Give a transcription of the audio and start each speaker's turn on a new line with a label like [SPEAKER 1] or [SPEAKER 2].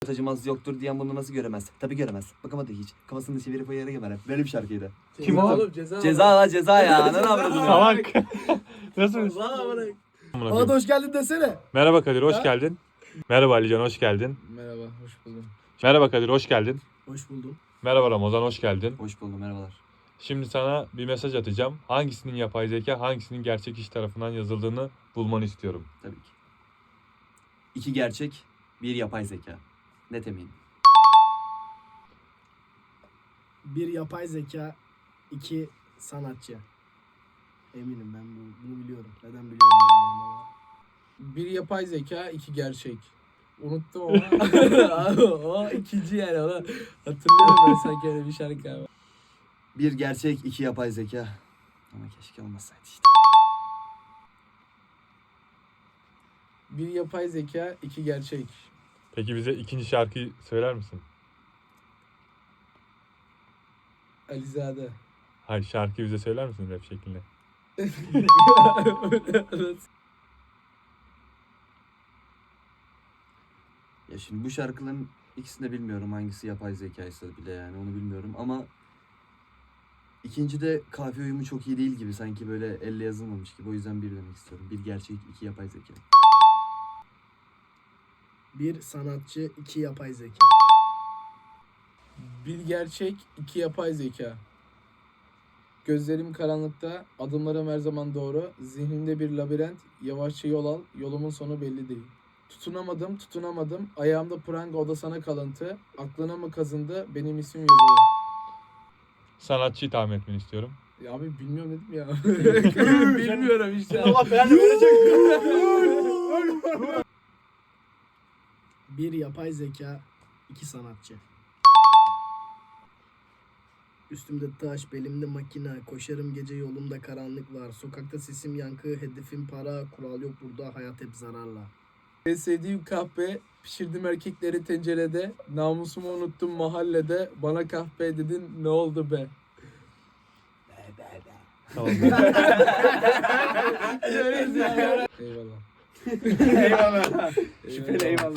[SPEAKER 1] acımaz yoktur diyen bunu nasıl göremez? Tabii göremez. Bakamadı hiç. Kafasını çevirip o yere geber. Böyle bir şarkıydı.
[SPEAKER 2] Kim oğlum? Ceza.
[SPEAKER 1] Ceza la ceza ya. Ananı avradını.
[SPEAKER 3] Salak. Nasıl?
[SPEAKER 2] Hadi hoş geldin desene.
[SPEAKER 3] Merhaba Kadir, hoş
[SPEAKER 2] Ha?
[SPEAKER 3] geldin. Merhaba Alican, hoş geldin.
[SPEAKER 2] Merhaba, hoş buldum.
[SPEAKER 3] Merhaba Kadir, hoş geldin.
[SPEAKER 2] Hoş buldum.
[SPEAKER 3] Merhaba Ramazan, hoş geldin.
[SPEAKER 1] Hoş buldum merhabalar.
[SPEAKER 3] Şimdi sana bir mesaj atacağım. Hangisinin yapay zeka, hangisinin gerçek kişi tarafından yazıldığını bulmanı istiyorum.
[SPEAKER 1] Tabii ki. 2 gerçek, 1 yapay zeka. Net eminim.
[SPEAKER 2] Bir yapay zeka, 2 sanatçı. Eminim ben bunu biliyorum. Neden biliyorum bilmiyorum ama.
[SPEAKER 4] Bir yapay zeka, iki gerçek. Unuttum ama. Abi, o ikinci yani ona hatırlıyorum ben sanki öyle bir şarkı abi.
[SPEAKER 1] 1 gerçek, 2 yapay zeka. Ama keşke olmasaydı işte.
[SPEAKER 4] Bir yapay zeka, iki gerçek.
[SPEAKER 3] Peki bize ikinci şarkıyı söyler misin?
[SPEAKER 4] Alizade.
[SPEAKER 3] Hayır, şarkıyı bize söyler misin rap şeklinde?
[SPEAKER 1] Ya şimdi bu şarkıların ikisini de bilmiyorum hangisi yapay zekaysa bile yani onu bilmiyorum ama ikinci de kafiye uyumu çok iyi değil gibi sanki böyle elle yazılmamış gibi o yüzden 1 demek istiyorum. 1 gerçek 2 yapay zeka.
[SPEAKER 2] Bir sanatçı, 2 yapay zeka.
[SPEAKER 4] Bir gerçek, iki yapay zeka. Gözlerim karanlıkta, adımlarım her zaman doğru. Zihnimde bir labirent, yavaşça yol al, yolumun sonu belli değil. Tutunamadım. Ayağımda pranga, o da sana kalıntı. Aklına mı kazındı, benim isim yazılı.
[SPEAKER 3] Sanatçıyı tahmin etmeni istiyorum.
[SPEAKER 4] Ya abi bilmiyorum dedim ya. Bilmiyorum işte.
[SPEAKER 2] Bir yapay zeka, 2 sanatçı. Üstümde taş, belimde makina, koşarım gece yolumda karanlık var. Sokakta sesim yankı, hedefim para, kural yok burada, hayat hep zararla.
[SPEAKER 4] En sevdiğim kahve, pişirdim erkekleri tencerede. Namusumu unuttum mahallede. Bana kahve dedin, ne oldu be?
[SPEAKER 3] Tamam.
[SPEAKER 4] Eyvallah.
[SPEAKER 1] Eyvallah.
[SPEAKER 4] Eyvallah.